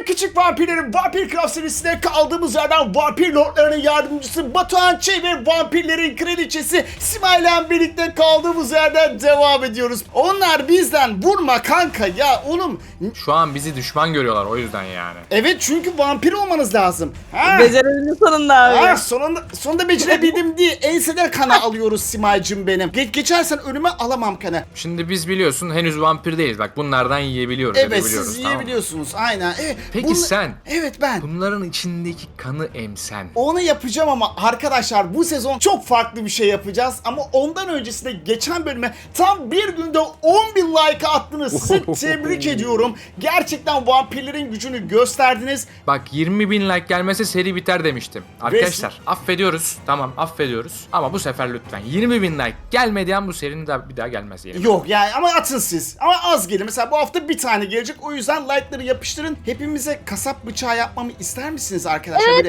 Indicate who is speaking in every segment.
Speaker 1: küçük vampirlerin Vampir Craft serisinde kaldığımız yerden vampir lordlarının yardımcısı Batuhan Ç ve vampirlerin kraliçesi Simay ile birlikte kaldığımız yerden devam ediyoruz. Onlar bizden vurma kanka ya oğlum.
Speaker 2: Şu an bizi düşman görüyorlar o yüzden yani.
Speaker 1: Evet çünkü vampir olmanız lazım. Ha?
Speaker 3: Becerebildin sonunda abi.
Speaker 1: Ha, sonunda becerebildim diye enseden kana alıyoruz Simay'cım benim. Geçersen önüme alamam kanı.
Speaker 2: Şimdi biz biliyorsun henüz vampir değiliz. Bak bunlardan yiyebiliyoruz.
Speaker 1: Evet
Speaker 2: edebiliyoruz,
Speaker 1: siz
Speaker 2: tamam mı?
Speaker 1: yiyebiliyorsunuz aynen.
Speaker 2: Peki sen?
Speaker 1: Evet ben.
Speaker 2: Bunların içindeki kanı emsen.
Speaker 1: Onu yapacağım ama arkadaşlar bu sezon çok farklı bir şey yapacağız. Ama ondan öncesinde geçen bölüme tam bir günde 10.000 like attınız. Sizi tebrik ediyorum. Gerçekten vampirlerin gücünü gösterdiniz.
Speaker 2: Bak 20.000 like gelmese seri biter demiştim. Arkadaşlar affediyoruz. Tamam affediyoruz. Ama bu sefer lütfen 20.000 like gelmedi an bu serinin bir daha gelmez yani.
Speaker 1: Yok yani ama atın siz. Ama az gelin. Mesela bu hafta bir tane gelecek. O yüzden like'ları yapıştırın. Hepimize kasap bıçağı yapmamı ister misiniz arkadaşlar?
Speaker 3: Evet,
Speaker 1: Böyle...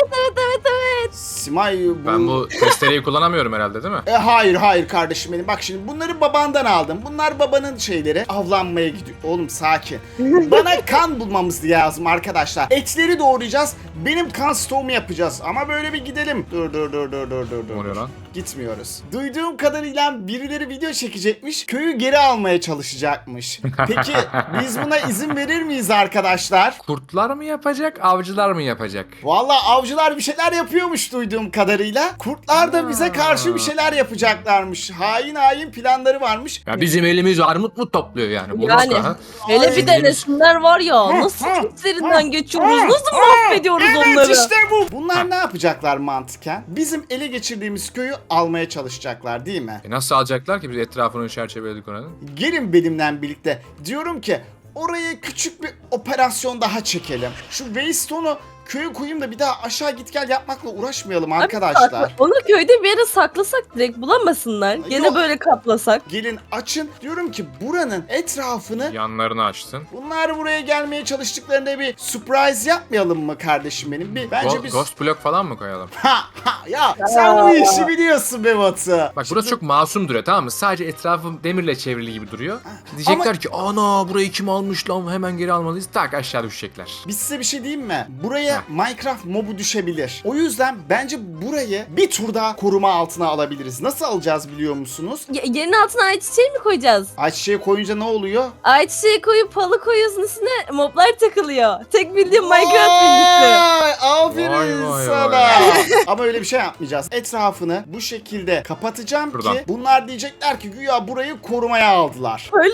Speaker 3: evet.
Speaker 1: Simay bu...
Speaker 2: Ben bu testereyi kullanamıyorum herhalde değil mi?
Speaker 1: Hayır kardeşim benim. Bak şimdi bunları babandan aldım. Bunlar babanın şeyleri. Avlanmaya gidiyor. Oğlum sakin. Bana kan bulmamız lazım arkadaşlar. Etleri doğrayacağız. Benim kan stoğumu yapacağız. Ama böyle bir gidelim. Dur.
Speaker 2: Ne oluyor lan?
Speaker 1: Gitmiyoruz. Duyduğum kadarıyla birileri video çekecekmiş. Köyü geri almaya çalışacakmış. Peki biz buna izin verir miyiz arkadaşlar?
Speaker 2: Kurtlar mı yapacak, avcılar mı yapacak?
Speaker 1: Vallahi avcılar bir şeyler yapıyormuş duyduğum kadarıyla. Kurtlar da bize karşı bir şeyler yapacaklarmış. Hain planları varmış.
Speaker 2: Ya bizim elimiz armut mu topluyor yani? Bu
Speaker 3: Yani
Speaker 2: nasıl, ha?
Speaker 3: hele bir de
Speaker 2: Elimiz-
Speaker 3: resimler var ya nasıl içlerinden geçiyoruz, nasıl mahvediyoruz
Speaker 1: Evet
Speaker 3: onları.
Speaker 1: işte bu. Bunlar ne yapacaklar mantıken? Bizim ele geçirdiğimiz köyü almaya çalışacaklar değil mi?
Speaker 2: Nasıl alacaklar ki biz etrafını çerçeveledik oranın?
Speaker 1: Gelin benimle birlikte. Diyorum ki oraya küçük bir operasyon daha çekelim. Şu Waystone'u köye koyayım da bir daha aşağı git gel yapmakla uğraşmayalım arkadaşlar.
Speaker 3: Onu köyde bir yere saklasak direkt bulamasınlar. Gene
Speaker 1: Yok.
Speaker 3: böyle kaplasak.
Speaker 1: Gelin açın. Diyorum ki buranın etrafını
Speaker 2: Yanlarını açsın.
Speaker 1: bunlar buraya gelmeye çalıştıklarında bir surprise yapmayalım mı kardeşim benim? Bence biz...
Speaker 2: Ghost block falan mı koyalım?
Speaker 1: Ya sen bu işi biliyorsun be Batu.
Speaker 2: Bak burası çok masum duruyor tamam mı? Sadece etrafım demirle çevrili gibi duruyor. Diyecekler ki ana burayı kim almış lan hemen geri almalıyız. Tak aşağı düşecekler.
Speaker 1: Biz size bir şey diyeyim mi? Buraya Minecraft mobu düşebilir. O yüzden bence burayı bir tur daha koruma altına alabiliriz. Nasıl alacağız biliyor musunuz?
Speaker 3: Yerin altına ayçiçeği mi koyacağız?
Speaker 1: Ayçiçeği koyunca ne oluyor?
Speaker 3: Ayçiçeği koyup halı koyuyorsun üstüne moblar takılıyor. Tek bildiğim Minecraft bilgisi.
Speaker 1: Vay, aferin
Speaker 2: Vay,
Speaker 1: sana.
Speaker 2: vay.
Speaker 1: Ama öyle bir şey yapmayacağız. Etrafını bu şekilde kapatacağım
Speaker 2: Buradan.
Speaker 1: ki bunlar diyecekler ki güya burayı korumaya aldılar.
Speaker 3: Öyle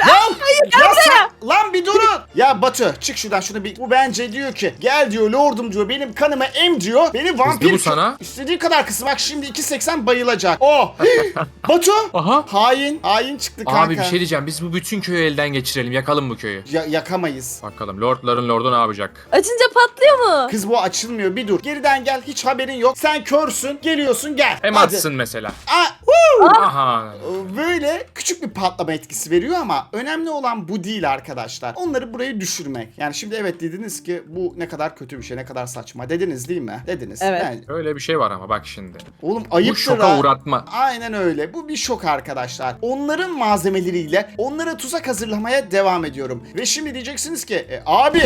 Speaker 1: Lan bir durun. Ya Batu çık şuradan şunu bir. Bu bence diyor ki gel diyor lordum diyor benim kanımı em diyor. Beni vampir.
Speaker 2: bu sana.
Speaker 1: İstediği kadar kısım bak şimdi 2.80 bayılacak. Oh. Batu.
Speaker 2: Aha.
Speaker 1: Hain çıktı kanka.
Speaker 2: Abi bir şey diyeceğim. Biz bu bütün köyü elden geçirelim. Yakalım bu köyü.
Speaker 1: Yakamayız.
Speaker 2: Bakalım lordların lordu ne yapacak?
Speaker 3: açınca patlıyor mu?
Speaker 1: Kız bu açılmıyor bir dur. Geriden gel hiç haberin yok. Sen körsün geliyorsun gel.
Speaker 2: Hem
Speaker 1: Hadi.
Speaker 2: atsın mesela.
Speaker 1: Aa,
Speaker 2: Aha.
Speaker 1: Böyle küçük bir patlama etkisi veriyor ama önemli olan bu değil arkadaşlar. Onları buraya düşürmek. Yani şimdi evet dediniz ki bu ne kadar kötü bir şey, ne kadar saçma dediniz değil mi? Dediniz.
Speaker 3: Evet.
Speaker 2: Öyle bir şey var ama bak şimdi.
Speaker 1: Oğlum
Speaker 2: Bu
Speaker 1: ayıptır
Speaker 2: şoka
Speaker 1: ha.
Speaker 2: uğratma.
Speaker 1: Aynen öyle. Bu bir şok arkadaşlar. Onların malzemeleriyle onlara tuzak hazırlamaya devam ediyorum. Ve şimdi diyeceksiniz ki abi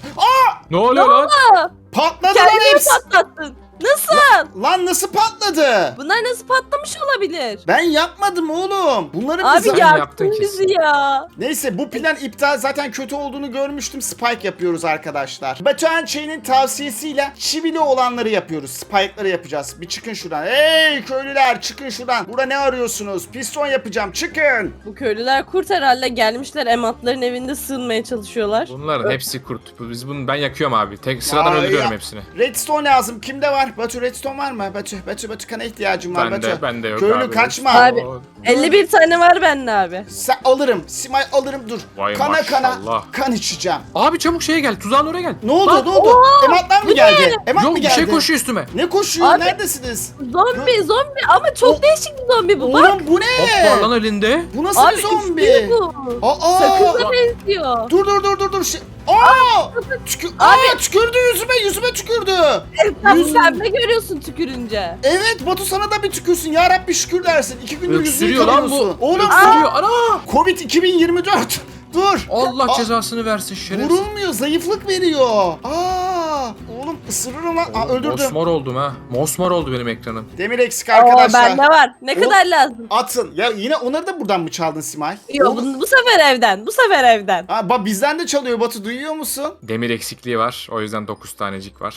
Speaker 2: Ne oluyor lan?
Speaker 1: patladı lan
Speaker 3: Kendini
Speaker 1: hepsi.
Speaker 3: patlattın. Nasıl?
Speaker 1: Lan nasıl patladı?
Speaker 3: Bunlar nasıl patlamış olabilir?
Speaker 1: Ben yapmadım oğlum. Bunları
Speaker 3: Abi
Speaker 1: bize...
Speaker 2: Sen
Speaker 3: yaktın
Speaker 2: yaptın
Speaker 3: bizi ya.
Speaker 1: Neyse bu plan iptal, zaten kötü olduğunu görmüştüm. Spike yapıyoruz arkadaşlar. Batuhan Çey'nin tavsiyesiyle çivili olanları yapıyoruz. Spike'ları yapacağız. Bir çıkın şuradan. Hey köylüler çıkın şuradan. Burada ne arıyorsunuz? Piston yapacağım çıkın.
Speaker 3: Bu köylüler kurt herhalde gelmişler ematların evinde sığınmaya çalışıyorlar.
Speaker 2: Bunların hepsi kurt. Ben yakıyorum abi. Tek sıradan
Speaker 1: Vay
Speaker 2: öldürüyorum
Speaker 1: ya.
Speaker 2: hepsini.
Speaker 1: Redstone lazım. Kimde var? Batu redstone var mı? Batu kana ihtiyacım var.
Speaker 2: Bende yok
Speaker 1: Köylü
Speaker 2: abi.
Speaker 1: kaçma.
Speaker 3: Abi 51 tane var bende abi.
Speaker 1: Sen alırım. Simay alırım dur.
Speaker 2: Vay
Speaker 1: kana
Speaker 2: maşallah.
Speaker 1: kan içeceğim.
Speaker 2: Abi çabuk şeye gel. Tuzağın oraya gel.
Speaker 1: Ne oldu?
Speaker 2: Lan,
Speaker 1: Ne oldu? Ematlar mı geldi? Emat
Speaker 2: Yok
Speaker 1: mı
Speaker 2: bir
Speaker 1: geldi?
Speaker 2: şey koşuyor üstüme.
Speaker 1: Ne koşuyor?
Speaker 3: Abi-
Speaker 1: Neredesiniz?
Speaker 3: Zombi ama çok değişik bir zombi bu bak.
Speaker 1: Oğlum bu ne?
Speaker 2: Hop var lan elinde.
Speaker 1: Bu nasıl
Speaker 3: Abi
Speaker 1: bir zombi?
Speaker 3: üstü bu.
Speaker 1: Aa!
Speaker 3: Sakıza benziyor.
Speaker 1: Dur. Aa! Tükürdü yüzüme tükürdü.
Speaker 3: Sen
Speaker 1: Yüzüm-
Speaker 3: pembe görüyorsun tükürünce.
Speaker 1: Evet Batu sana da bir tükürsün. Ya Rabbi şükür dersin. 2 gündür yüzünü
Speaker 2: Öksürüyor lan bu.
Speaker 1: yıkamıyorsun. Oğlum
Speaker 2: Öksürüyor. Ana.
Speaker 1: Covid 2024. Dur.
Speaker 2: Allah
Speaker 1: Aa,
Speaker 2: cezasını versin şerefsiz.
Speaker 1: Vurulmuyor, zayıflık veriyor. Oğlum ısırırım lan. Öldürdüm.
Speaker 2: Mosmor oldum ha. Mosmor oldu benim ekranım.
Speaker 1: Demir eksik
Speaker 3: Oo,
Speaker 1: arkadaşlar.
Speaker 3: bende var. Ne kadar lazım?
Speaker 1: Atın. Ya yine onları da buradan mı çaldın Simay?
Speaker 3: Yok
Speaker 1: Oğlum-
Speaker 3: bu sefer evden. Bu sefer evden.
Speaker 1: Bizden de çalıyor Batu, duyuyor musun?
Speaker 2: Demir eksikliği var. O yüzden 9 tanecik var.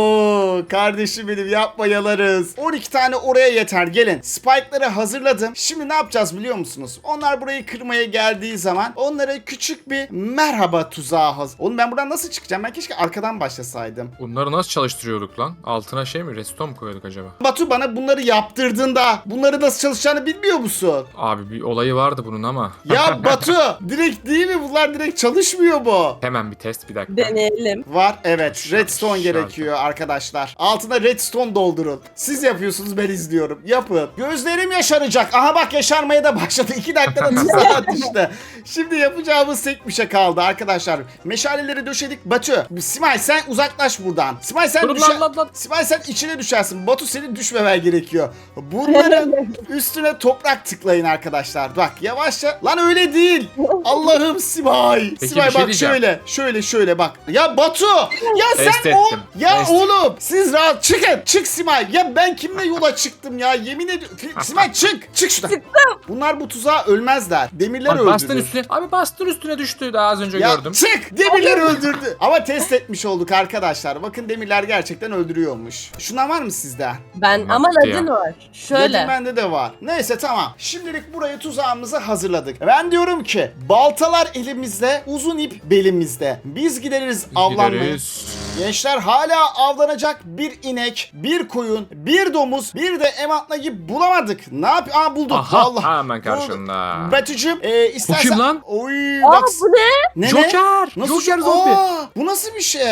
Speaker 1: Oo kardeşim benim, yapma yalarız. 12 tane oraya yeter, gelin. Spike'ları hazırladım. Şimdi ne yapacağız biliyor musunuz? Onlar burayı kırmaya geldiği zaman onlara küçük bir merhaba tuzağı hazır. Oğlum ben buradan nasıl çıkacağım? Ben keşke arkadan başlasaydım.
Speaker 2: Bunları nasıl çalıştırıyorduk lan? Altına şey mi? Redstone mu koyuyorduk acaba?
Speaker 1: Batu bana bunları yaptırdığında bunları nasıl çalışacağını bilmiyor musun?
Speaker 2: Abi bir olayı vardı bunun ama.
Speaker 1: Ya Batu direkt değil mi? Bunlar direkt çalışmıyor mu?
Speaker 2: Hemen bir test, bir dakika.
Speaker 3: Deneyelim.
Speaker 1: Var, evet, redstone
Speaker 2: Şarkı.
Speaker 1: gerekiyor arkadaşlar. Altına redstone doldurun. Siz yapıyorsunuz, ben izliyorum. Yapın. Gözlerim yaşaracak. Aha bak, yaşarmaya da başladı. 2 dakikada tuzağa düştü. Şimdi yapacağımız tek bir şey kaldı arkadaşlar. Meşaleleri döşedik. Batu, Simay sen uzaklaş buradan. Simay sen
Speaker 2: Durun lan.
Speaker 1: Simay sen içine düşersin. Batu senin düşmemen gerekiyor. Bunların üstüne toprak tıklayın arkadaşlar. Bak yavaşça. Lan öyle değil. Allah'ım Simay.
Speaker 2: Peki,
Speaker 1: Simay
Speaker 2: bir şey
Speaker 1: bak
Speaker 2: diyeceğim.
Speaker 1: şöyle bak. Ya Batu. Ya
Speaker 2: Test
Speaker 1: sen o.
Speaker 2: ettim.
Speaker 1: Ya
Speaker 2: Test.
Speaker 1: oğlum siz rahat çıkın. Çık Simay. Ya ben kimle yola çıktım ya? Yemin ediyorum. Simay çık. Çık şuradan. Bunlar bu tuzağa ölmezler. Demirler
Speaker 2: Abi
Speaker 1: öldürür.
Speaker 2: bastın üstüne. Abi bastın üstüne düştü. Daha az önce
Speaker 1: Ya
Speaker 2: gördüm.
Speaker 1: çık! Demirler öldürdü. Ama test etmiş olduk arkadaşlar. Bakın demirler gerçekten öldürüyormuş. Şundan var mı sizde?
Speaker 3: Ben ama
Speaker 2: Bitti ya.
Speaker 3: ladin var.
Speaker 1: Dedim,
Speaker 3: Şöyle.
Speaker 1: bende de var. Neyse tamam. Şimdilik buraya tuzağımızı hazırladık. Ben diyorum ki baltalar elimizde, uzun ip belimizde. Biz gideriz avlanmaya.
Speaker 2: Gideriz.
Speaker 1: Gençler hala avlanacak bir inek, bir koyun, bir domuz, bir de emantlayı bulamadık. Ne yap? Bulduk.
Speaker 2: Aha,
Speaker 1: Allah.
Speaker 2: hemen karşında.
Speaker 1: Betücüğüm istersen...
Speaker 2: kim lan?
Speaker 1: Oy,
Speaker 3: Aa
Speaker 1: bak.
Speaker 3: bu ne?
Speaker 1: Ne?
Speaker 2: Joker!
Speaker 1: Nasıl
Speaker 2: Joker zombi.
Speaker 1: Bu nasıl bir şey?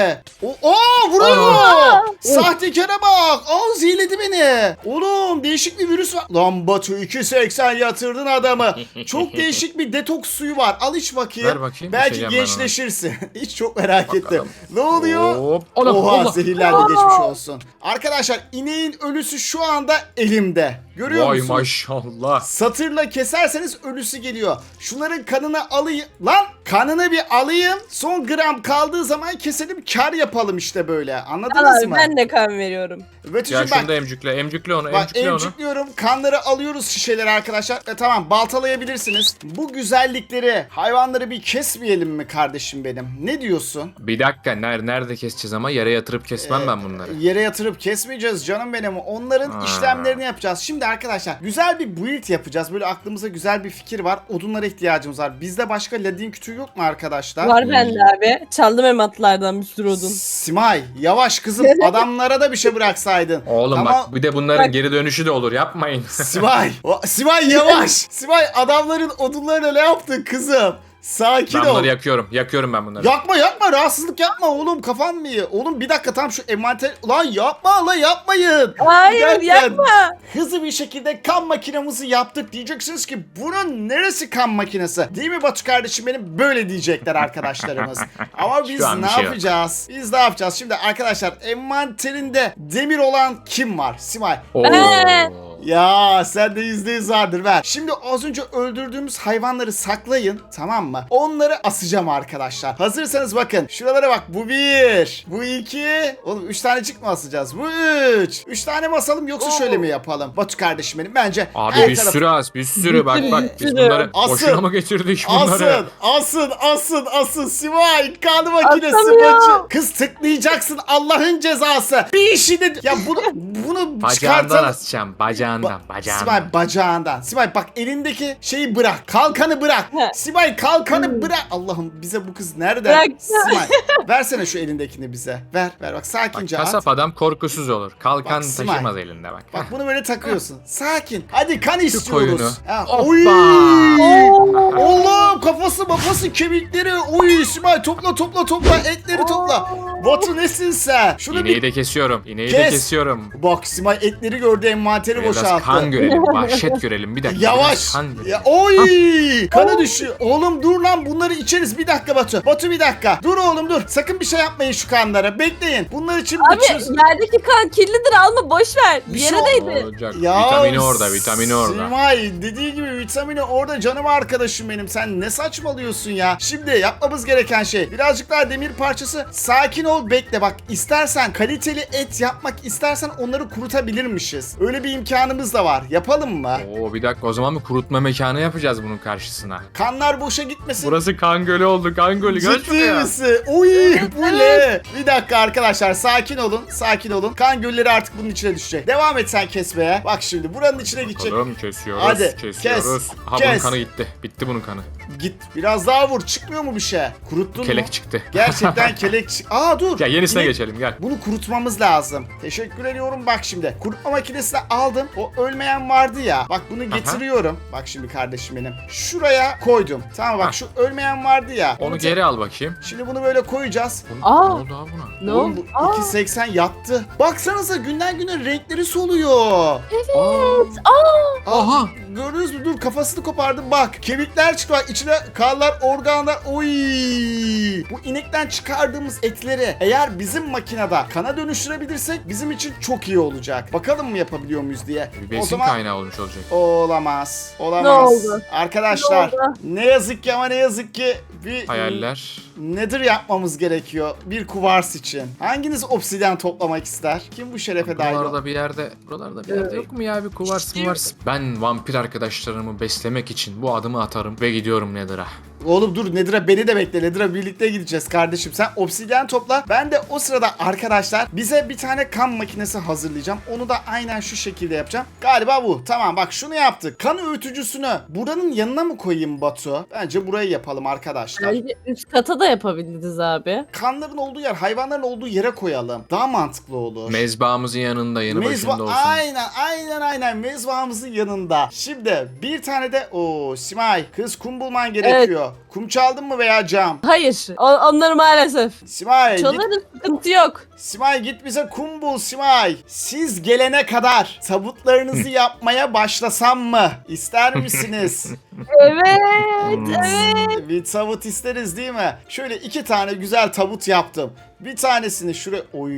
Speaker 1: Vuruyor. Sahtekara bak. Zehirledi beni. Oğlum değişik bir virüs var. Lan Batu 2.80 yatırdın adamı. Çok değişik bir detoks suyu var. Al iç bakayım.
Speaker 2: Ver bakayım,
Speaker 1: Belki
Speaker 2: içeceğim ben onu.
Speaker 1: gençleşirsin. Hiç çok merak ettim.
Speaker 2: Bakalım.
Speaker 1: Ne oluyor?
Speaker 2: Hop. Allah,
Speaker 1: Oha
Speaker 2: Allah.
Speaker 1: zehirlendi, geçmiş olsun. Arkadaşlar ineğin ölüsü şu anda elimde. Görüyor
Speaker 2: Vay
Speaker 1: musunuz?
Speaker 2: maşallah.
Speaker 1: Satırla keserseniz ölüsü geliyor. Şunların kanını alayım. Lan kanını bir alayım. Son gram kaldığı zaman keselim, kar yapalım işte böyle. Anladınız
Speaker 3: Abi
Speaker 1: mı?
Speaker 3: ben de kan veriyorum.
Speaker 1: Betücüğüm
Speaker 2: Ya şunu
Speaker 1: bak.
Speaker 2: da emcükle. Emcükle onu.
Speaker 1: Bak
Speaker 2: Emcükle onu.
Speaker 1: emcikliyorum. Kanları alıyoruz şişeleri arkadaşlar. Tamam, baltalayabilirsiniz. Bu güzellikleri, hayvanları bir kesmeyelim mi kardeşim benim? Ne diyorsun?
Speaker 2: Bir dakika. Nerede keseceğiz ama? Yere yatırıp kesmem ben bunları.
Speaker 1: Yere yatırıp kesmeyeceğiz canım benim. Onların
Speaker 2: Ha.
Speaker 1: işlemlerini yapacağız. Şimdi arkadaşlar güzel bir build yapacağız. Böyle aklımıza güzel bir fikir var. Odunlara ihtiyacımız var. Bizde başka ladin kütüğü yok mu arkadaşlar?
Speaker 3: Var bende abi. Çaldım ematlardan bir sürü odun.
Speaker 1: Simay yavaş kızım, adamlara da bir şey bıraksaydın.
Speaker 2: Oğlum
Speaker 1: Ama-
Speaker 2: bak bir de bunların
Speaker 3: Bak-
Speaker 2: geri dönüşü de olur. Yapmayın.
Speaker 1: Simay. Simay yavaş. Simay adamların odunlarına ne yaptın kızım? Sakin
Speaker 2: Ben
Speaker 1: ol.
Speaker 2: bunları yakıyorum. Yakıyorum ben bunları.
Speaker 1: Yapma rahatsızlık yapma oğlum, kafan mı iyi? Oğlum bir dakika, tam şu envanter... Lan yapmayın.
Speaker 3: Hayır
Speaker 1: Giderken
Speaker 3: yapma.
Speaker 1: hızlı bir şekilde kan makinamızı yaptık. Diyeceksiniz ki bunun neresi kan makinesi? Değil mi Batu kardeşim benim? Böyle diyecekler arkadaşlarımız. Ama biz
Speaker 2: Şu an
Speaker 1: ne
Speaker 2: bir şey yok.
Speaker 1: yapacağız? Biz ne yapacağız? Şimdi arkadaşlar envanterinde demir olan kim var? Simay.
Speaker 2: Oo.
Speaker 1: Ya sen de %100 vardır, ver. Şimdi az önce öldürdüğümüz hayvanları saklayın, tamam mı? Onları asacağım arkadaşlar. Hazırsanız bakın şuralara bak, bu 1, bu 2, oğlum 3 tanecik mi asacağız? Bu 3. 3 tane mi asalım yoksa şöyle mi yapalım? Batu kardeşim benim, bence
Speaker 2: Abi
Speaker 1: her
Speaker 2: bir
Speaker 1: taraf-
Speaker 2: sürü az. Bir sürü bak biz
Speaker 3: sürü.
Speaker 2: bunları
Speaker 1: Asın.
Speaker 2: boşuna mı getirdik bunları?
Speaker 1: Asın Simay, kan makinesi
Speaker 3: Asamıyorum.
Speaker 1: bacı. Kız tıklayacaksın, Allah'ın cezası. Bir işi de ya bunu
Speaker 2: Bacağından
Speaker 1: çıkartalım.
Speaker 2: asacağım. Bacağından.
Speaker 1: Simay bacağından. Simay bak elindeki şeyi bırak. Kalkanı bırak.
Speaker 3: He.
Speaker 1: Simay kalkanı bırak. Allah'ım bize bu kız nereden?
Speaker 3: Bırak.
Speaker 1: Simay versene şu elindekini bize. Ver bak
Speaker 2: Bak,
Speaker 1: sakince at.
Speaker 2: kasap adam korkusuz olur. Kalkan
Speaker 1: Bak, Simay.
Speaker 2: taşımaz elinde bak.
Speaker 1: Bak bunu böyle takıyorsun. Sakin. Hadi kan
Speaker 2: koyunu.
Speaker 1: istiyoruz. Ha,
Speaker 2: Hoppa.
Speaker 1: oy!
Speaker 3: Oo.
Speaker 1: Oğlum kafası kemikleri. Oy Simay topla etleri topla. Batu nesin sen? Şunu
Speaker 2: İğneyi
Speaker 1: bir...
Speaker 2: de kesiyorum. İğneyi de
Speaker 1: Kes.
Speaker 2: kesiyorum.
Speaker 1: Bak Simay etleri gördü, envanteri
Speaker 2: Biraz
Speaker 1: boşalttı.
Speaker 2: kan görelim. Vahşet görelim. Bir dakika.
Speaker 1: Yavaş.
Speaker 2: biraz kan görelim.
Speaker 1: Ya, oy! Kanı düşüyor. Oğlum dur lan, bunları içeriz. Bir dakika Batu. Batu bir dakika. Dur oğlum dur. Sakın bir şey yapmayın şu kanlara. Bekleyin. Bunlar için
Speaker 3: Abi
Speaker 1: içiyoruz.
Speaker 3: yerdeki kan kirlidir, alma boş ver.
Speaker 1: Bir
Speaker 3: Yere
Speaker 1: şey
Speaker 3: değdi.
Speaker 2: Olacak.
Speaker 1: Ya
Speaker 2: Vitamini orada. Vitamini orada.
Speaker 1: Simay dediği gibi vitamini orada, canım arkadaşım benim. Sen ne saçmalıyorsun ya? Şimdi yapmamız gereken şey birazcık daha demir parçası. Sakin ol, bekle. Bak istersen kaliteli et yapmak istersen onları kurutabilirmişiz. Öyle bir imkanımız da var. Yapalım mı?
Speaker 2: Oo bir dakika, o zaman bir kurutma mekanı yapacağız bunun karşısına.
Speaker 1: Kanlar boşa gitmesin.
Speaker 2: Burası kan gölü oldu, kan gölü. Gel
Speaker 1: Ciddi
Speaker 2: şuraya.
Speaker 1: misin? Oy bu ne? Bir dakika arkadaşlar, sakin olun. Sakin olun. Kan gölleri artık bunun içine düşecek. Devam et sen kesmeye. Bak şimdi buranın içine gidecek.
Speaker 2: Bakalım, kesiyoruz.
Speaker 1: Hadi,
Speaker 2: kesiyoruz.
Speaker 1: kes,
Speaker 2: Aha bunun
Speaker 1: kes.
Speaker 2: kanı gitti. Bitti bunun kanı.
Speaker 1: Git biraz daha vur. Çıkmıyor mu bir şey? Kuruttun mu?
Speaker 2: Kelek çıktı.
Speaker 1: Gerçekten kelek çık. Aa dur.
Speaker 2: Ya yenisine
Speaker 1: Yine-
Speaker 2: geçelim gel.
Speaker 1: Bunu kurutmamız lazım. Teşekkür ediyorum. Bak şimdi. Kurutma makinesini aldım. O ölmeyen vardı ya. Bak bunu getiriyorum. Bak şimdi kardeşim benim. Şuraya koydum. Tamam bak
Speaker 2: Hah.
Speaker 1: şu ölmeyen vardı ya.
Speaker 2: Onu
Speaker 1: te-
Speaker 2: geri al bakayım.
Speaker 1: Şimdi bunu böyle koyacağız.
Speaker 2: Ne
Speaker 3: Aa.
Speaker 2: oldu abi buna?
Speaker 3: Ne
Speaker 1: Oğlum
Speaker 3: oldu?
Speaker 1: bu 2.80 yattı. Baksanıza günden güne renkleri soluyor.
Speaker 2: Aha.
Speaker 1: Gördünüz mü? Dur kafasını kopardım bak. Kemikler çıktı bak. İçine kanlar, organlar. Oy! Bu inekten çıkardığımız etleri eğer bizim makinede kana dönüştürebilirsek bizim için çok iyi olacak. Bakalım mı yapabiliyor muyuz diye.
Speaker 2: Bir
Speaker 1: O
Speaker 2: besin
Speaker 1: zaman
Speaker 2: kaynağı olmuş olacak.
Speaker 1: olamaz. Olamaz.
Speaker 3: Ne oldu?
Speaker 1: Arkadaşlar
Speaker 3: Ne oldu?
Speaker 1: ne yazık ki ama ne yazık ki bir
Speaker 2: Hayaller.
Speaker 1: nedir yapmamız gerekiyor bir kuvars için. Hanginiz obsidyen toplamak ister? Kim bu şerefe dahil?
Speaker 2: Buralarda bir yerde yok mu ya bir kuvars mı vars? Ben vampir arkadaşlarımı beslemek için bu adımı atarım ve gidiyorum Nether'a.
Speaker 1: Oğlum dur Nedir'a beni de bekle. Nedir'a birlikte gideceğiz kardeşim. Sen obsidyen topla. Ben de o sırada arkadaşlar bize bir tane kan makinesi hazırlayacağım. Onu da aynen şu şekilde yapacağım. Galiba bu. Tamam bak şunu yaptık. Kan öğütücüsünü buranın yanına mı koyayım Batu? Bence burayı yapalım arkadaşlar.
Speaker 3: Bence üst kata da yapabiliriz abi.
Speaker 1: Kanların olduğu yer, hayvanların olduğu yere koyalım. Daha mantıklı olur.
Speaker 2: Mezbağımızın yanında, yanı başında olsun.
Speaker 1: Aynen mezbahımızın yanında. Şimdi bir tane de Simay kız kum bulman gerekiyor. Kum çaldın mı veya cam?
Speaker 3: Hayır. Onları maalesef.
Speaker 1: Simay git,
Speaker 3: Çalarız, sıkıntı yok.
Speaker 1: Simay git bize kum bul Simay. Siz gelene kadar tabutlarınızı yapmaya başlasam mı? İster misiniz?
Speaker 3: Evet, evet.
Speaker 1: Bir tabut isteriz değil mi? Şöyle 2 tane güzel tabut yaptım. Bir tanesini şuraya... Oy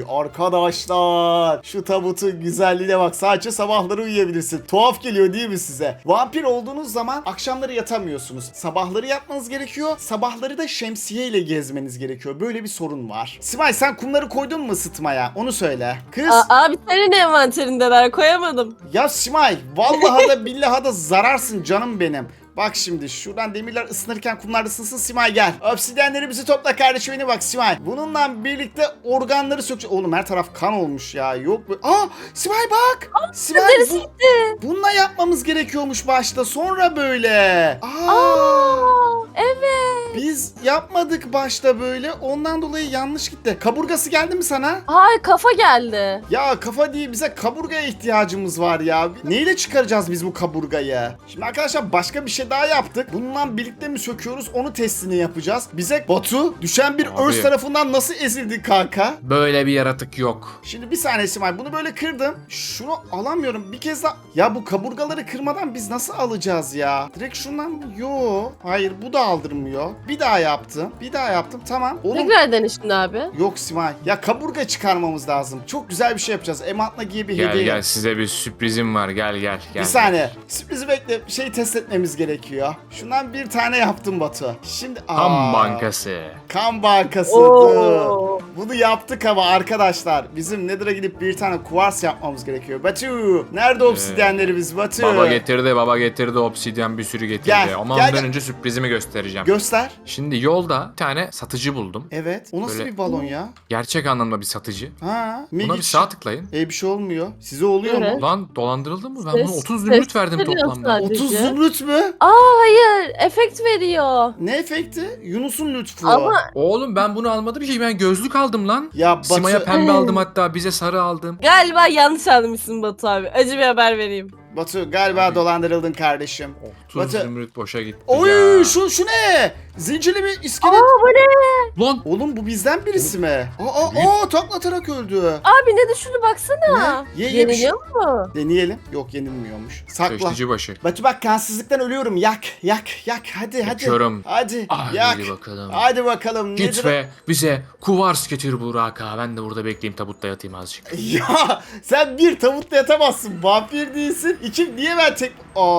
Speaker 1: arkadaşlar. Şu tabutun güzelliğine bak. Sadece sabahları uyuyabilirsin. Tuhaf geliyor değil mi size? Vampir olduğunuz zaman akşamları yatamıyorsunuz. Sabahları yatmanız gerekiyor. Sabahları da şemsiye ile gezmeniz gerekiyor. Böyle bir sorun var. Simay sen kumları koydun mu ısıtmaya? Onu söyle. Kız.
Speaker 3: Abi senin envanterindeler, koyamadım.
Speaker 1: Ya Simay vallahi da billahi da zararsın canım benim. Bak şimdi şuradan demirler ısınırken kumlar ısınsın Simay gel. Obsidyenlerimizi topla kardeşim benim bak Simay. Bununla birlikte organları sökeceğiz. Oğlum her taraf kan olmuş ya. Yok bu. Simay bak. Simay
Speaker 3: Neresi gitti?
Speaker 1: bununla yapmamız gerekiyormuş başta. Sonra böyle.
Speaker 3: Evet.
Speaker 1: Biz yapmadık başta böyle. Ondan dolayı yanlış gitti. Kaburgası geldi mi sana?
Speaker 3: Hayır, kafa geldi.
Speaker 1: Ya kafa değil bize kaburgaya ihtiyacımız var ya. Neyle çıkaracağız biz bu kaburgayı? Şimdi arkadaşlar başka bir şey daha yaptık. Bununla birlikte mi söküyoruz onu testini yapacağız. Bize Batu düşen bir
Speaker 2: Abi.
Speaker 1: örs tarafından nasıl ezildi kanka?
Speaker 2: Böyle bir yaratık yok.
Speaker 1: Şimdi bir saniye Simay bunu böyle kırdım. Şunu alamıyorum bir kez daha. Ya bu kaburgaları kırmadan biz nasıl alacağız ya? Direkt şundan mı? Yo. Hayır bu da aldırmıyor. Bir daha yaptım. Bir daha yaptım tamam. Oğlum
Speaker 3: Tekrar dene şimdi abi.
Speaker 1: yok Simay. Ya kaburga çıkarmamız lazım. Çok güzel bir şey yapacağız. Emantla giye bir
Speaker 2: Gel
Speaker 1: hediye.
Speaker 2: gel, size bir sürprizim var, gel.
Speaker 1: Bir saniye. Sürprizi bekle. Şey test etmemiz gerekiyor. Şundan bir tane yaptım Batu. Şimdi
Speaker 2: Kan bankası.
Speaker 1: Kan bankası.
Speaker 3: Oo.
Speaker 1: Bunu yaptık ama arkadaşlar. Bizim Nether'a gidip bir tane kuvars yapmamız gerekiyor. Batu. Nerede obsidyenlerimiz Batu?
Speaker 2: Baba getirdi obsidyen bir sürü getirdi.
Speaker 1: Gel,
Speaker 2: Ama
Speaker 1: gel,
Speaker 2: ondan
Speaker 1: gel.
Speaker 2: önce sürprizimi göstereceğim.
Speaker 1: Göster.
Speaker 2: Şimdi yolda bir tane satıcı buldum.
Speaker 1: Evet. O nasıl
Speaker 2: Böyle-
Speaker 1: bir balon ya?
Speaker 2: Gerçek anlamda bir satıcı.
Speaker 1: Ha.
Speaker 2: Buna bir
Speaker 1: Migic.
Speaker 2: sağ tıklayın.
Speaker 1: Bir şey olmuyor. Size oluyor
Speaker 3: Evet.
Speaker 1: mu?
Speaker 2: Ulan dolandırıldım mı? Ben
Speaker 3: Ses-
Speaker 2: buna 30
Speaker 3: ses
Speaker 2: zümrüt verdim
Speaker 3: veriyor
Speaker 2: toplamda.
Speaker 3: sadece.
Speaker 1: 30 zümrüt mü?
Speaker 3: Hayır, efekt veriyor.
Speaker 1: Ne efekti? Yunus'un lütfu.
Speaker 3: Ama
Speaker 2: Oğlum ben bunu almadım ki, ben gözlük aldım lan.
Speaker 1: Ya
Speaker 2: Sima'ya
Speaker 1: Batu.
Speaker 2: pembe aldım, hatta bize sarı aldım.
Speaker 3: galiba yanlış anlamışsın Batu abi. Acı bir haber vereyim.
Speaker 1: Batu galiba
Speaker 2: Abi.
Speaker 1: dolandırıldın kardeşim.
Speaker 2: 30
Speaker 1: Batu-
Speaker 2: zümrüt boşa gitti
Speaker 1: Oy
Speaker 2: ya.
Speaker 1: şu ne? Zincirli bir iskelet.
Speaker 3: Aa bu ne?
Speaker 2: Lan
Speaker 1: Oğlum bu bizden birisi mi? Taklatarak öldü.
Speaker 3: Abi ne düşündü baksana.
Speaker 1: Ne? Ye, bir
Speaker 3: Yeniliyor mu?
Speaker 1: Deneyelim. Yok yenilmiyormuş. Sakla.
Speaker 2: köşteci başı.
Speaker 1: Batu bak kansızlıktan ölüyorum. Yak. Hadi.
Speaker 2: Yakıyorum.
Speaker 1: Hadi.
Speaker 2: Ah,
Speaker 1: Yak.
Speaker 2: hadi bakalım.
Speaker 1: Hadi bakalım.
Speaker 2: Git
Speaker 1: Nedir?
Speaker 2: ve bize kuvars getir Burak ağa. Ben de burada bekleyeyim, tabutta yatayım azıcık.
Speaker 1: Ya sen bir tavutla yatamazsın. Vampir değilsin. İki niye ben tek...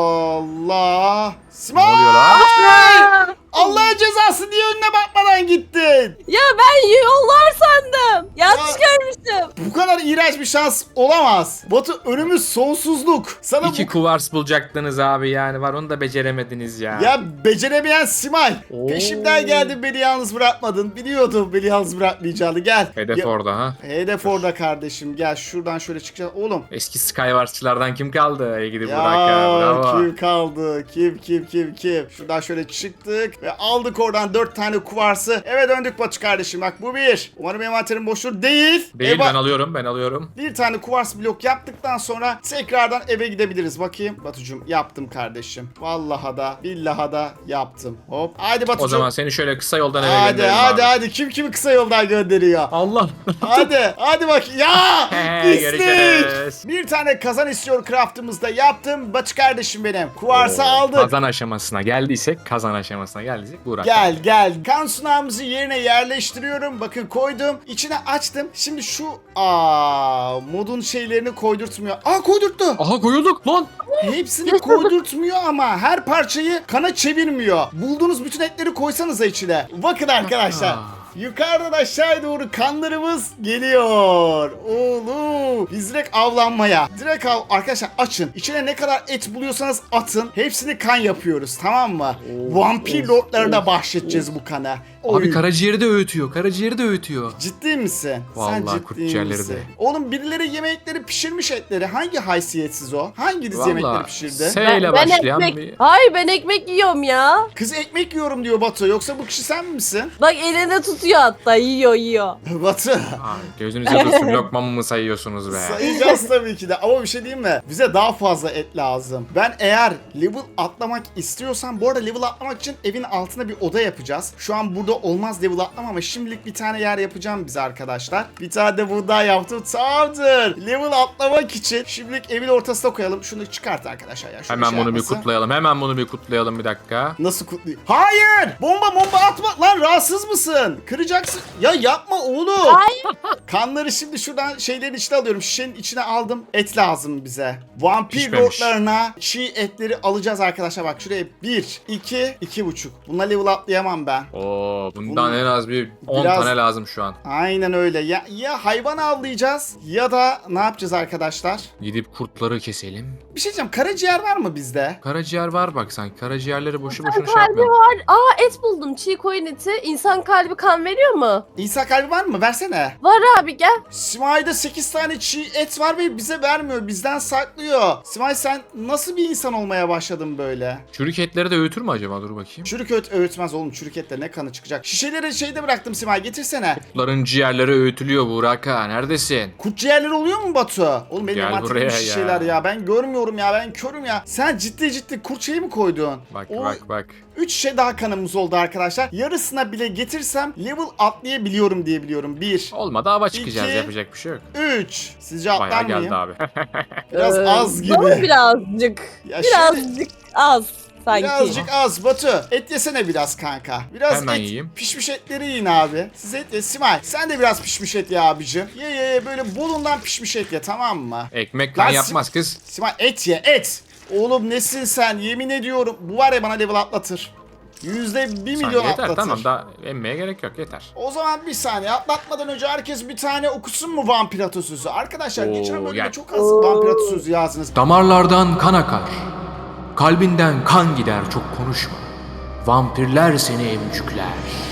Speaker 1: Allah.
Speaker 2: Ne
Speaker 1: Simay!
Speaker 2: oluyor lan?
Speaker 3: Aa,
Speaker 1: Allah'ın cezası diye önüne bakmadan gittin.
Speaker 3: ya ben yollar sandım. Yanlış
Speaker 1: Ya.
Speaker 3: görmüştüm.
Speaker 1: Bu kadar iğrenç bir şans olamaz. Batu önümüz sonsuzluk. Sana
Speaker 2: İki kuvars bulacaktınız abi yani var, onu da beceremediniz ya.
Speaker 1: Ya beceremeyen Simay.
Speaker 2: Oo.
Speaker 1: Peşimden geldin, beni yalnız bırakmadın. Biliyordum beni yalnız bırakmayacağını. Gel.
Speaker 2: Hedef
Speaker 1: Ya-
Speaker 2: orada ha.
Speaker 1: Hedef orada kardeşim. Gel şuradan şöyle çıkacağız. Oğlum.
Speaker 2: Eski Skywars'çılardan kim kaldı? İyi gidi
Speaker 1: Ya
Speaker 2: Burak ağa, bravo.
Speaker 1: kim kaldı? Kim? Şuradan şöyle çıktık ve aldık oradan 4 tane kuvarsı. Eve döndük Batu kardeşim. Bak bu bir. Umarım envanterim boştur. Değil.
Speaker 2: Değil,
Speaker 1: Eva-
Speaker 2: ben alıyorum.
Speaker 1: Bir tane kuvars blok yaptıktan sonra tekrardan eve gidebiliriz. Bakayım. Batucuğum yaptım kardeşim. Vallahi da billahi da yaptım. Hop. Haydi Batucuğum.
Speaker 2: O zaman seni şöyle kısa yoldan eve
Speaker 1: Hadi
Speaker 2: gönderelim abi.
Speaker 1: hadi. Kim kimi kısa yoldan gönderiyor?
Speaker 2: Allah.
Speaker 1: Hadi bak. Ya! Pislik!
Speaker 2: Görüşürüz.
Speaker 1: Bir tane kazan istiyor craftımızda yaptım. Batu kardeşim benim. Kuvarsı aldık.
Speaker 2: Kazan aşamasına geldiysek Burak.
Speaker 1: Gel. Kan sunağımızı yerine yerleştiriyorum. Bakın koydum. İçine açtım. Şimdi şu modun şeylerini koydurtmuyor. Koydurttu.
Speaker 2: Aha koyulduk lan.
Speaker 1: Hepsini koydurtmuyor ama her parçayı kana çevirmiyor. Bulduğunuz bütün etleri koysanıza içine. Bakın arkadaşlar. Yukarıdan aşağıya doğru kanlarımız geliyor. Oğlum. Biz direkt avlanmaya. Arkadaşlar açın. İçine ne kadar et buluyorsanız atın. Hepsini kan yapıyoruz, tamam mı? Vampir lordlarına bahşedeceğiz bu kana.
Speaker 2: Abi
Speaker 1: Oy.
Speaker 2: karaciğeri de öğütüyor.
Speaker 1: Ciddi misin?
Speaker 2: Vallahi
Speaker 1: Sen ciddi
Speaker 2: kurt ciğerleri
Speaker 1: misin?
Speaker 2: de.
Speaker 1: Oğlum birileri yemekleri pişirmiş etleri. Hangi haysiyetsiz o? Hanginiz yemekleri pişirdi?
Speaker 2: S ile başlayan bir...
Speaker 3: Hayır ben ekmek yiyorum ya.
Speaker 1: Kız ekmek yiyorum diyor Batu. Yoksa bu kişi sen misin?
Speaker 3: Bak elinde tutuyor hatta yiyor.
Speaker 1: Batu.
Speaker 2: Ay, gözünüze dursun, lokmamı mı sayıyorsunuz be?
Speaker 1: Sayacağız tabii ki de. Ama bir şey diyeyim mi? Bize daha fazla et lazım. Ben eğer level atlamak istiyorsam, bu arada level atlamak için evin altına bir oda yapacağız. Şu an burada olmaz level atlama ama şimdilik bir tane yer yapacağım bize arkadaşlar. Bir tane de buğday yaptım. Tamamdır. Level atlamak için şimdilik evin ortasına koyalım. Şunu çıkart arkadaşlar ya. Şöyle
Speaker 2: Hemen
Speaker 1: şey
Speaker 2: bunu bir
Speaker 1: yapması.
Speaker 2: kutlayalım bir dakika.
Speaker 1: Nasıl kutlayayım? Hayır! Bomba atma! Lan rahatsız mısın? Kıracaksın. Ya yapma oğlum.
Speaker 3: Hayır.
Speaker 1: Kanları şimdi şuradan şeylerin içine alıyorum. Şişenin içine aldım. Et lazım bize. Vampir
Speaker 2: Pişmemiş.
Speaker 1: lordlarına çiğ etleri alacağız arkadaşlar. Bak şuraya 1, 2, 2,5. Bununla level atlayamam ben.
Speaker 2: Oo, bundan
Speaker 1: Bunu
Speaker 2: en az bir 10
Speaker 1: biraz-
Speaker 2: tane lazım şu an.
Speaker 1: Aynen öyle. Ya hayvan avlayacağız ya da ne yapacağız arkadaşlar?
Speaker 2: Gidip kurtları keselim.
Speaker 1: Bir şey diyeceğim. Karaciğer var mı bizde?
Speaker 2: Karaciğer var bak sanki. Karaciğerleri boşu boşuna
Speaker 3: İnsan
Speaker 2: şey
Speaker 3: kalbi
Speaker 2: yapmayalım.
Speaker 3: var. Et buldum. Çiğ koyun eti. İnsan kalbi kan veriyor mu?
Speaker 1: İsa kalbi var mı? Versene.
Speaker 3: Var abi gel.
Speaker 1: Simay'da 8 tane çiğ et var ve bize vermiyor. Bizden saklıyor. Simay sen nasıl bir insan olmaya başladın böyle?
Speaker 2: Çürük etleri de öğütür mü acaba? Dur bakayım.
Speaker 1: Çürük öğütmez oğlum. Çürük etle ne kanı çıkacak? Şişeleri şeyde bıraktım Simay. Getirsene.
Speaker 2: Kurtların ciğerleri öğütülüyor Burak ağa. Neredesin?
Speaker 1: Kurt ciğerleri oluyor mu Batu? Oğlum benim
Speaker 2: Gel
Speaker 1: envanterimde
Speaker 2: buraya
Speaker 1: şişeler
Speaker 2: ya.
Speaker 1: ya. Ben görmüyorum ya. Ben körüm ya. Sen ciddi kurt şeyi mi koydun?
Speaker 2: Bak
Speaker 1: O-
Speaker 2: bak.
Speaker 1: 3 şişe daha kanımız oldu arkadaşlar. Yarısına bile getirsem level atlayabiliyorum diye biliyorum. 1,
Speaker 2: Olmadı hava çıkacağız,
Speaker 1: İki.
Speaker 2: yapacak bir şey yok.
Speaker 1: 3. Sizce atlar
Speaker 2: Bayağı
Speaker 1: mıyım?
Speaker 2: geldi abi.
Speaker 1: Biraz az gibi.
Speaker 3: Bana birazcık.
Speaker 1: Ya
Speaker 3: Birazcık az sanki.
Speaker 1: Birazcık az Batu. Et yesene biraz kanka. Biraz
Speaker 2: Hemen
Speaker 1: et.
Speaker 2: yiyeyim.
Speaker 1: Pişmiş etleri yiyin abi. Siz et ye. Simay sen de biraz pişmiş et ye abicim. Ye böyle bolundan pişmiş et ye, tamam mı?
Speaker 2: Ekmek kan
Speaker 1: Lan
Speaker 2: yapmaz kız.
Speaker 1: Simay et ye et. Oğlum nesin sen, yemin ediyorum. Bu var ya bana level atlatır. %1 milyon
Speaker 2: Saniye yeter,
Speaker 1: atlatır.
Speaker 2: tamam, daha emmeye gerek yok, yeter.
Speaker 1: O zaman bir saniye atlatmadan önce herkes bir tane okusun mu vampir atasözü? Arkadaşlar
Speaker 2: Oo,
Speaker 1: geçen bölümde
Speaker 2: gel.
Speaker 1: çok az vampir atasözü yazdınız.
Speaker 2: Damarlardan kan akar. Kalbinden kan gider, çok konuşma. Vampirler seni emcükler.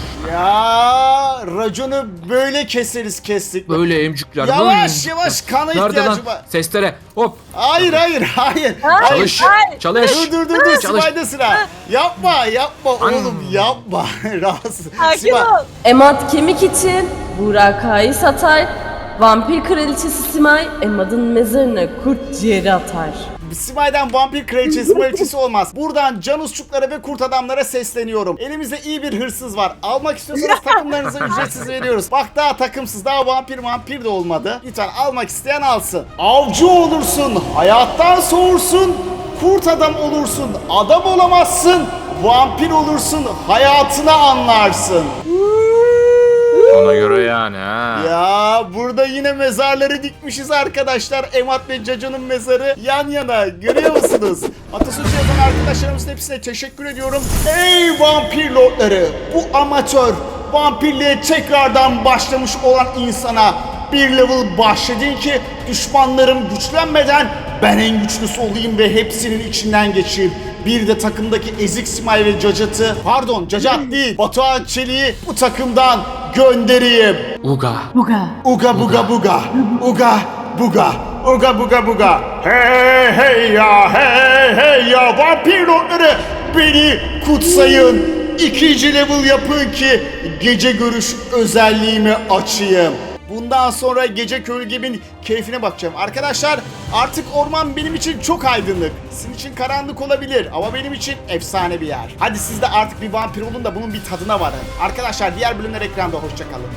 Speaker 1: Ya raconu böyle kestik.
Speaker 2: Böyle emcükler.
Speaker 1: Yavaş kana
Speaker 2: Nerede lan?
Speaker 1: ihtiyacım var.
Speaker 2: Seslere hop.
Speaker 1: Hayır.
Speaker 2: Çalış.
Speaker 3: hayır.
Speaker 2: Çalış.
Speaker 1: Dur
Speaker 2: Çalış.
Speaker 1: Simay'da sıra. Yapma oğlum yapma. Rahatsız.
Speaker 3: Sakin
Speaker 1: Simay.
Speaker 3: ol. Emat kemik için Burak Ağa'yı satar. Vampir kraliçesi Simay Emad'ın mezarına kurt ciğeri atar.
Speaker 1: Simay'dan vampir kraliçesi olmaz. Buradan canusçuklara ve kurt adamlara sesleniyorum. Elimizde iyi bir hırsız var. Almak istiyorsanız takımlarınızı ücretsiz veriyoruz. Bak daha takımsız, daha vampir de olmadı. Lütfen almak isteyen alsın. Avcı olursun, hayattan soğursun, kurt adam olursun, adam olamazsın, vampir olursun, hayatını anlarsın.
Speaker 2: Ona göre yani ha.
Speaker 1: Ya burada yine mezarları dikmişiz arkadaşlar. Emat ve Caco'nun mezarı yan yana. Görüyor musunuz? Atasözü yazan arkadaşlarımızın hepsine teşekkür ediyorum. Ey vampir lordları! Bu amatör vampirliğe tekrardan başlamış olan insana bir level bahşedin ki düşmanlarım güçlenmeden ben en güçlüsü olayım ve hepsinin içinden geçeyim. Bir de takımdaki ezik Simay ve Cacat'ı, pardon Cacat değil, Batuhan Çelik'i bu takımdan göndereyim.
Speaker 2: Uga.
Speaker 3: Buga.
Speaker 1: Uga buga buga. Uga buga. Uga buga buga. Hey hey ya, hey hey ya, vampir lordları beni kutsayın. 2. level yapın ki gece görüş özelliğimi açayım. Bundan sonra gece kölgemin keyfine bakacağım. Arkadaşlar artık orman benim için çok aydınlık. Sizin için karanlık olabilir ama benim için efsane bir yer. Hadi siz de artık bir vampir olun da bunun bir tadına varın. Arkadaşlar diğer bölümler ekranda, hoşça kalın.